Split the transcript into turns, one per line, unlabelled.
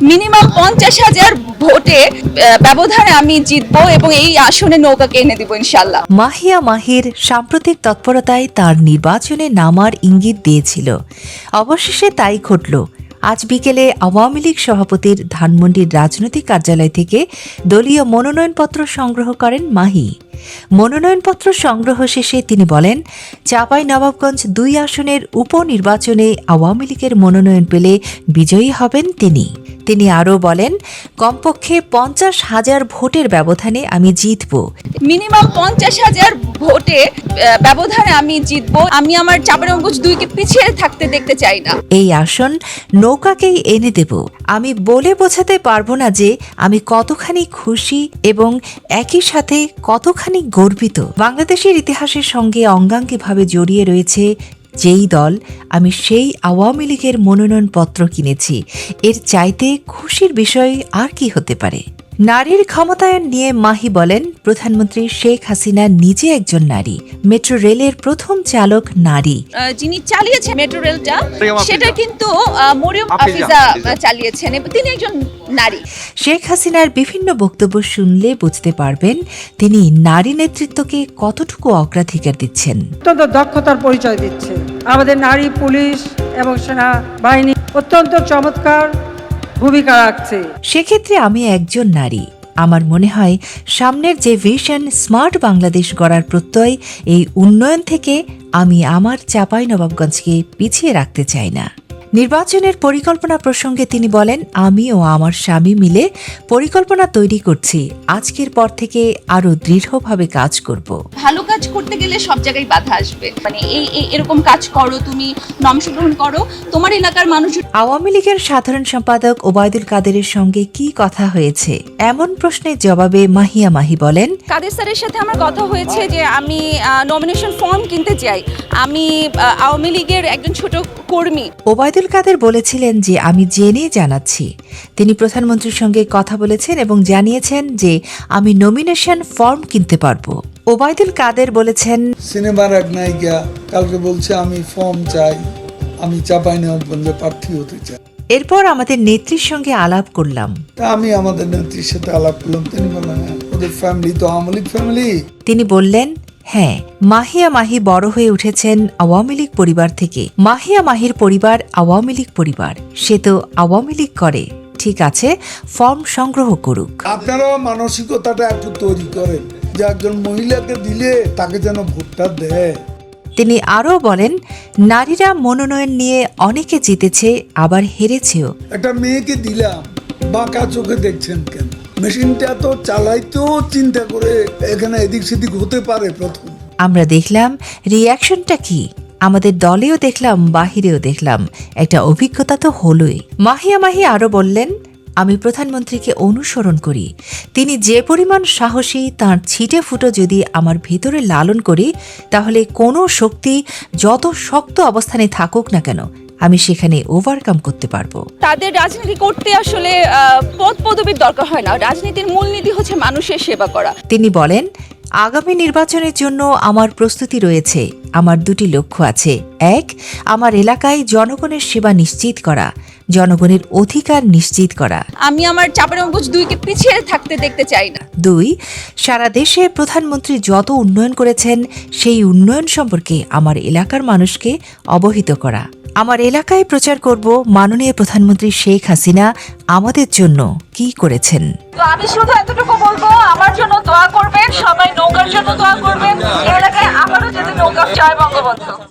Minimum 50,000 ভোটে ব্যবধানে আমি জিতবো এবং এই আসনে নৌকাকে এনে দিব ইনশাল্লাহ।
মাহিয়া মাহির সাম্প্রতিক তৎপরতায় তার নির্বাচনে নামার ইঙ্গিত দিয়েছিল। অবশেষে তাই ঘটল। আজ বিকেলে আওয়ামী লীগ সভাপতির ধানমন্ডির রাজনৈতিক কার্যালয় থেকে দলীয় মনোনয়নপত্র সংগ্রহ করেন মাহি। মনোনয়নপত্র সংগ্রহ শেষে তিনি বলেন, চাঁপাইনবাবগঞ্জ ২ আসনের উপনির্বাচনে আওয়ামী লীগের মনোনয়ন পেলে বিজয়ী হবেন তিনি। তিনি আরও বলেন, কমপক্ষে 50,000 ভোটের ব্যবধানে আমি জিতব।
মিনিমাম 50,000 ভোটে ব্যবধানে আমি জিতবো। আমি আমার চাঁপাইনবাবগঞ্জ 2কে পিছিয়ে থাকতে দেখতে চাই না।
এই আসন নৌকাকেই এনে দেব। আমি বলে বোঝাতে পারবো না যে আমি কতখানি খুশি এবং একই সাথে কতখানি গর্বিত। বাংলাদেশের ইতিহাসের সঙ্গে অঙ্গাঙ্গিভাবে জড়িয়ে রয়েছে যেই দল, আমি সেই আওয়ামী লীগের মনোনয়নপত্র কিনেছি। এর চাইতে খুশির বিষয় আর কি হতে পারে? নারীর ক্ষমতায়ন নিয়ে মাহি বলেন, প্রধানমন্ত্রী শেখ হাসিনা নিজে একজন নারী। মেট্রো রেলের প্রথম চালক নারী।
যিনি চালিয়েছেন মেট্রো রেলটা, সেটা কিন্তু মরিয়ম আফিজা চালিয়েছেন এবং তিনি একজন নারী।
শেখ হাসিনার বিভিন্ন বক্তব্য শুনলে বুঝতে পারবেন তিনি নারী নেতৃত্বকে কতটুকু অগ্রাধিকার দিচ্ছেন।
অত্যন্ত দক্ষতার পরিচয় দিচ্ছে। আমাদের নারী পুলিশ এবং সেনা বাহিনী অত্যন্ত চমৎকার ভূমিকা রাখছে।
সেক্ষেত্রে আমি একজন নারী। আমার মনে হয় সামনের যে ভিশন স্মার্ট বাংলাদেশ গড়ার প্রত্যয়, এই উন্নয়ন থেকে আমি আমার চাঁপাইনবাবগঞ্জকে পিছিয়ে রাখতে চাই না। নির্বাচনের পরিকল্পনা প্রসঙ্গে তিনি বলেন, আমি ও আমার স্বামী মিলে পরিকল্পনা তৈরি করছি। আজকের পর থেকে আরো দৃঢ়ভাবে কাজ করব।
ভালো কাজ করতে গেলে সব জায়গায় বাধা আসবে। মানে এরকম কাজ করো, তুমি অংশগ্রহণ করো, তোমার এলাকার মানুষ।
আওয়ামী লীগের সাধারণ সম্পাদক ওবায়দুল কাদেরের সঙ্গে কি কথা হয়েছে এমন প্রশ্নের জবাবে মাহিয়া মাহি বলেন,
কাদের স্যারের সাথে আমার কথা হয়েছে যে আমি নমিনেশন ফর্ম কিনতে চাই। আমি আওয়ামী লীগের একজন ছোট কর্মী।
ওবায়দুল কাদের বলেছিলেন যে আমি জেনে জানাচ্ছি। তিনি প্রধানমন্ত্রীর সঙ্গে কথা বলেছেন এবং জানিয়েছেন যে আমি নমিনেশন ফর্ম কিনতে পারবো। ওবায়দুল কাদের বলেছেন,
সিনেমার এক নায়িকা কালকে বলছে আমি ফর্ম চাই, আমি চাঁপাইনবাবগঞ্জে প্রার্থী হতে চাই।
এরপর আমাদের নেত্রীর সঙ্গে আলাপ করলাম।
তা আমি আমাদের নেত্রীর সাথে আলাপ করলাম। তিনি বললেন, ওদের ফ্যামিলি তো আওয়ামী লীগ ফ্যামিলি।
তিনি বললেন, হ্যাঁ, মাহিয়া মাহি বড় হয়ে উঠেছেন আওয়ামী লীগ পরিবার থেকে। মাহিয়া মাহির পরিবার আওয়ামী লীগ পরিবার, সে তো আওয়ামী লীগ করে। ঠিক আছে, ফর্ম সংগ্রহ করুক।
আপনারাও মানসিকতাটা একটু তৈরি করেন যে একজন মহিলাকে দিলে তাকে যেন ভোটটা দেয়।
তিনি আরও বলেন, নারীরা মনোনয়ন নিয়ে অনেকে জিতেছে, আবার হেরেছেও।
একটা মেয়েকে দিলাম, বাঁকা চোখে দেখছেন কেন? মেশিনটা তো চালাইতেও চিন্তা করে এখানে এদিক সেদিক হতে পারে। প্রথম
আমরা দেখলাম রিয়াকশনটা কি। আমাদের দলেও দেখলাম, বাহিরেও দেখলাম। একটা অভিজ্ঞতা তো হলোই। মাহিয়া মাহি আরও বললেন, আমি প্রধানমন্ত্রীকে অনুসরণ করি। তিনি যে পরিমাণ সাহসী, তাঁর ছিটে ফুটো যদি আমার ভেতরে লালন করি, তাহলে কোনো শক্তি যত শক্ত অবস্থানে থাকুক না কেন, আমি সেখানে ওভারকাম করতে পারবো।
তাদের রাজনীতি করতে আসলে পদ পদবীর দরকার হয় না। রাজনীতির মূলনীতি হচ্ছে মানুষের সেবা করা।
তিনি বলেন, আগামী নির্বাচনের জন্য আমার প্রস্তুতি রয়েছে। আমার 2টি লক্ষ্য আছে। 1, আমার এলাকায় জনগণের সেবা নিশ্চিত করা, জনগণের অধিকার নিশ্চিত করা।
আমি আমার চাঁপাইনবাবগঞ্জ 2কে পিছিয়ে থাকতে দেখতে চাই না।
2, সারা দেশে প্রধানমন্ত্রী যত উন্নয়ন করেছেন সেই উন্নয়ন সম্পর্কে আমার এলাকার মানুষকে অবহিত করা। আমার এলাকায় প্রচার করব মাননীয় প্রধানমন্ত্রী শেখ হাসিনা আমাদের জন্য কি করেছেন।
তো আমি শুধু এতটুকু বলবো, আমার জন্য দোয়া করবেন, সবাই নৌকার জন্য দোয়া করবেন। এলাকায় আবারও যাতে নৌকা চায় বঙ্গবন্ধু।